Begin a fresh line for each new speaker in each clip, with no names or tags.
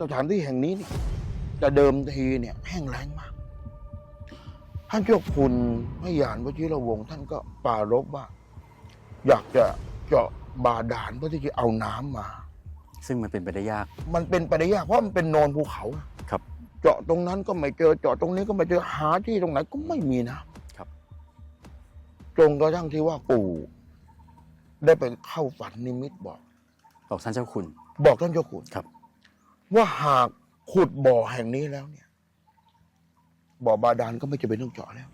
สถานที่แห่งนี้เนี่ยจะเดิมทีเนี่ยแห้งแล้งมากท่านเจ้าคุณพระยานวชิรวงศ์ท่านก็ปรารภว่า อยากจะเจาะบาดาลเพื่อที่จะเอาน้ำมา
ซึ่งมันเป็นไปได้ยาก
มันเป็นไปได้ยากเพราะมันเป็นโนนภูเขา
ครับ
เจาะตรงนั้นก็ไม่เจอเจาะตรงนี้ก็ไม่เจอหาที่ตรงไหนก็ไม่มีนะครับ จนกระทั่งที่ว่าปู่ได้ไปเข้าฝันนิมิตบอก
บอกท่านเจ้าคุณ
บอกท่านเจ้าคุณ
ครับ
ว่าหากขุดบ่อแห่งนี้แล้วเนี่ย บ่อบาดาลก็ไม่จำเป็นต้องเจาะแล้ว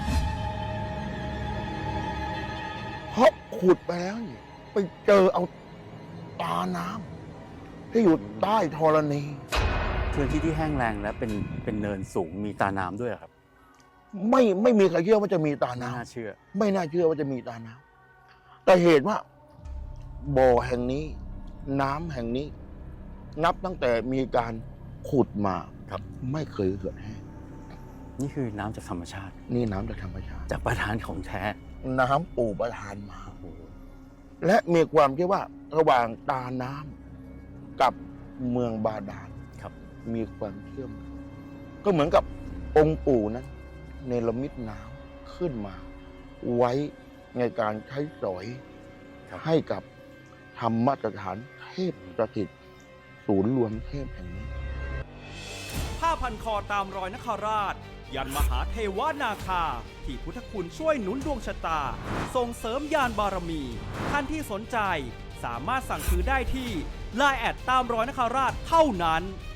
เพราะขุดไปแล้วเนี่ยไปเจอเอาตาน้ำที่อยู่ใต้ธรณี
พื้นที่ที่แห้งแล้งและเป็นเนินสูงมีตาน้ำด้วยเหรอครับ
ไม่มีใครเชื่อว่าจะมีตา
ไม่
น้
น่าเชื่อ
ำไม่น่าเชื่อว่าจะมีตาน้ำแต่เหตุว่า บ่อแห่งนี้ น้ำแห่งนี้ นับตั้งแต่มีการขุดมา
ครับ
ไม่เคยเกิดแห้ง
นี่คือน้ำจากธรรมชาติ
นี่น้ำจากธรรมชาติ
จากประธานของแท้
น้ำปู่ประทานมา
โอ้โห
และมีความคิดว่าระหว่างตาน้ำกับเมืองบาดาล
ครับ
มีความเชื่อมกันก็เหมือนกับองค์ปู่นั้นเนรมิตน้ำขึ้นมา ไว้ในการใช้สอย
ครับ
ให้กับธรรมสถานเทพสถิตศูนย์รวมเทพแห่งนี้
ผ้าพันคอตามรอยนคราช ยันมหาเทวนาคา ที่พุทธคุณช่วยหนุนดวงชะตา ส่งเสริมยานบารมี ท่านที่สนใจสามารถสั่งซื้อได้ที่ Line แอดตามรอยนคราชเท่านั้น